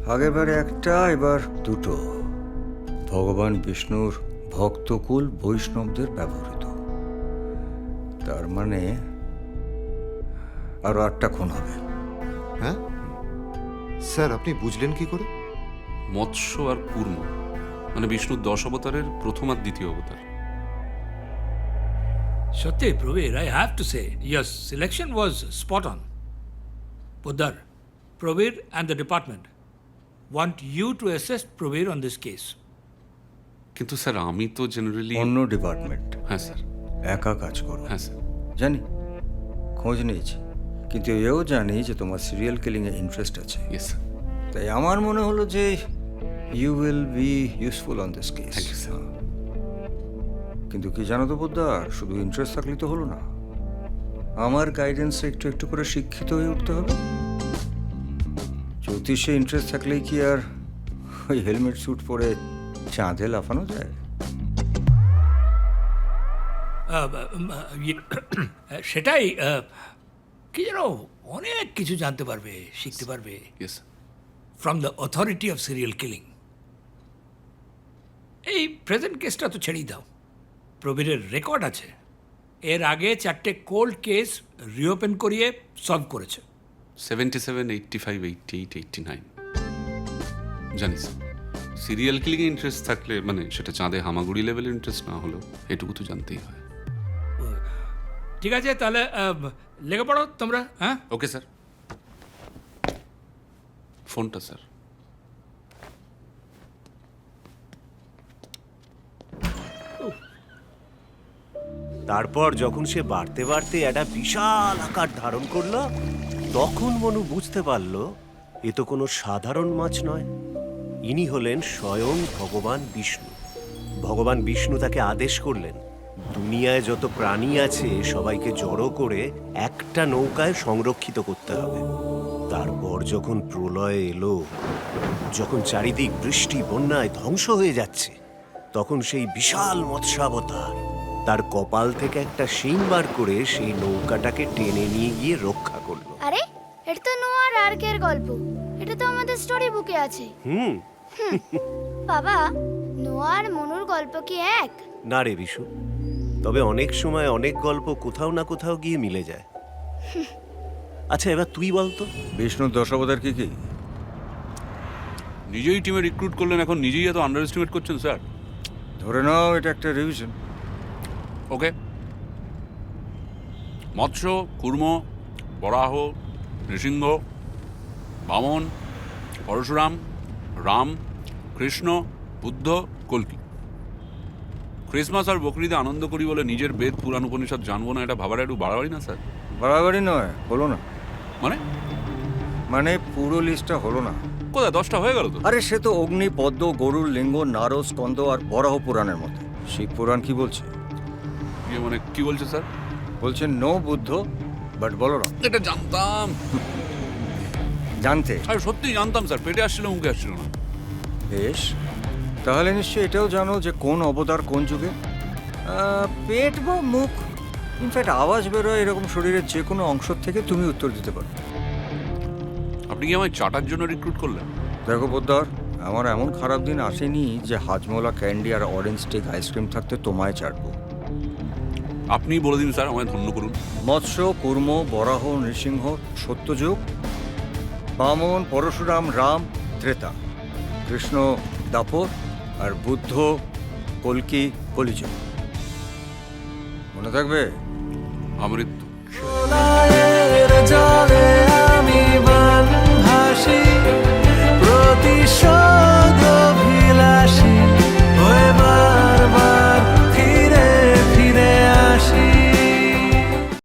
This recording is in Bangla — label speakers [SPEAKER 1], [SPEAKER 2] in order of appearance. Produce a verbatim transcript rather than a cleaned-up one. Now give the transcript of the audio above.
[SPEAKER 1] আগেরবারে একটা, এবার দুটো। ভগবান বিষ্ণুর ভক্তকুল বৈষ্ণবদের ব্যবহৃত। তার মানে আরো আটটা খুন হবে।
[SPEAKER 2] হ্যাঁ স্যার, আপনি বুঝলেন কি করে?
[SPEAKER 3] মৎস্য আর কূর্ম মানে বিষ্ণুর দশ অবতারের প্রথম আর দ্বিতীয় অবতার।
[SPEAKER 4] Satyay, Pravir, I have to say, your selection was spot on. Poddar, Pravir and the department want you to assist Pravir on this case.
[SPEAKER 3] কিন্তু স্যার আমি তো জেনারেলি
[SPEAKER 1] অন্য ডিপার্টমেন্ট
[SPEAKER 3] হ্যাঁ স্যার
[SPEAKER 1] একা কাজ করো।
[SPEAKER 3] হ্যাঁ স্যার
[SPEAKER 1] জানি, খোঁজ নিয়েছি, কিন্তু এও জানি যে তোমার সিরিয়াল কিলিং এ ইন্টারেস্ট আছে।
[SPEAKER 3] Yes sir.
[SPEAKER 1] তাই আমার মনে হলো যে you will be useful on this case.
[SPEAKER 3] Thank you, sir.
[SPEAKER 1] কিন্তু কি জানো তো পোদ্দার, শুধু ইন্টারেস্ট থাকলেই তো হলো না, আমার গাইডেন্সে একটু একটু করে শিক্ষিত হয়ে উঠতে হবে। জ্যোতিষে ইন্টারেস্ট থাকলেই কি আর ওই হেলমেট স্যুট পরে চাঁদে লাফানো যায়?
[SPEAKER 4] আহ, উম, আহ, ইয়ে, সেটাই আহ, কি যেন অনেক কিছু জানতে পারবে, শিখতে পারবে
[SPEAKER 3] yes
[SPEAKER 4] from the authority of serial killing. এই প্রেজেন্ট কেসটা তো ছেড়েই দাও, প্রবীরের রেকর্ড আছে, এর আগে চারটে কোল্ড কেস রিওপেন করিয়ে সলভ করেছে।
[SPEAKER 3] Seventy seven eighty five eighty eight eighty nine জানি স্যার। সিরিয়াল কিলিংয়ে ইন্টারেস্ট থাকলে মানে সেটা চাঁদে হামাগুড়ি লেভেলের ইন্টারেস্ট না হলেও এটুকু তো জানতেই হয়।
[SPEAKER 4] ঠিক আছে, তাহলে আহ, লেগে পড়ো তোমরা। হ্যাঁ,
[SPEAKER 3] ওকে স্যার। ফোনটা স্যার।
[SPEAKER 5] তারপর যখন সে বাড়তে বাড়তে একটা বিশাল আকার ধারণ করলো, তখন মনু বুঝতে পারল এ তো কোনো সাধারণ মাছ নয়, ইনি হলেন স্বয়ং ভগবান বিষ্ণু। ভগবান বিষ্ণু তাকে আদেশ করলেন, দুনিয়ায় যত প্রাণী আছে সবাইকে জড়ো করে একটা নৌকায় সংরক্ষিত করতে হবে। তারপর যখন প্রলয় এলো, যখন চারিদিক বৃষ্টি বন্যায় ধ্বংস হয়ে যাচ্ছে, তখন সেই বিশাল মৎস্যাবতার তার কপাল থেকে একটা শিং বার করে সেই নৌকাটাকে টেনে নিয়ে গিয়ে রক্ষা করলো।
[SPEAKER 6] আরে এটা তো নোয়ার আর্কের গল্প, এটা তো আমাদের স্টোরি বুকে আছে।
[SPEAKER 5] হুম
[SPEAKER 6] বাবা, নোয়ার মনুর গল্প কি এক?
[SPEAKER 5] না রে বিশু, তবে অনেক সময় অনেক গল্প কোথাও না কোথাও গিয়ে মিলে যায়। আচ্ছা, এবার তুই বলতো
[SPEAKER 1] বিষ্ণুর দশাবতার কি কি?
[SPEAKER 3] নিজেই টিমে রিক্রুট করলেন, এখন নিজেই এত আন্ডার এস্টিমেট করছেন স্যার।
[SPEAKER 1] ধরে নাও এটা একটা রিভিশন।
[SPEAKER 3] ওকে, মৎস্য, কুর্ম, বরাহ, নৃসিংহ, বামন, পরশুরাম, রাম, কৃষ্ণ, বুদ্ধ, কল্কি। ক্রিসমাস আর বকরিদে আনন্দ করি বলে নিজের বেদ পুরাণ উপনিষদ জানবো না, এটা ভাবার একটু বাড়াবাড়ি না স্যার?
[SPEAKER 1] বাড়াবাড়ি নয়, হলো না।
[SPEAKER 3] মানে
[SPEAKER 1] মানে পুরো লিস্টটা হলো না।
[SPEAKER 3] কোথায় দশটা হয়ে গেল তো?
[SPEAKER 1] আরে সে তো অগ্নি, পদ্ম, গরুর লিঙ্গ, নারদ, স্কন্দ আর বরাহ পুরাণের মতো। শিব পুরাণ কি বলছে?
[SPEAKER 3] ইয়ে মানে কি বলছে স্যার?
[SPEAKER 1] বলছে নো বুদ্ধ বাট বলরাম।
[SPEAKER 3] এটা জানতাম,
[SPEAKER 1] জানতে
[SPEAKER 3] আর সত্যি জানতাম স্যার, পেটে আসছিল মুখে আসছিল না।
[SPEAKER 1] বেশ, তাহলে নিশ্চয়ই এটাও জানো যে কোন অবতার কোন যুগে। আহ, পেট বা মুখ, ইনফ্যাক্ট আওয়াজ বেরোয় এরকম শরীরের যে কোনো অংশ থেকে তুমি উত্তর দিতে পারো।
[SPEAKER 3] আপনি কি আমায় চাটার জন্য রিক্রুট করলেন?
[SPEAKER 1] দেখো পোদ্দার, আমার এমন খারাপ দিন আসেনি যে হাজমোলা ক্যান্ডি আর অরেঞ্জ স্টিক আইসক্রিম থাকতে তোমায় চাটবো।
[SPEAKER 3] আপনি বলে দিন স্যার, আমায় ধন্য করুন।
[SPEAKER 1] মৎস্য, কুর্ম, বরাহ, নৃসিংহ সত্যযুগ, বামন, পরশুরাম, রাম ত্রেতা, কৃষ্ণ দাপর, আর বুদ্ধ কল্কি কলিযুগ। মনে থাকবে?
[SPEAKER 3] আমৃত্যু।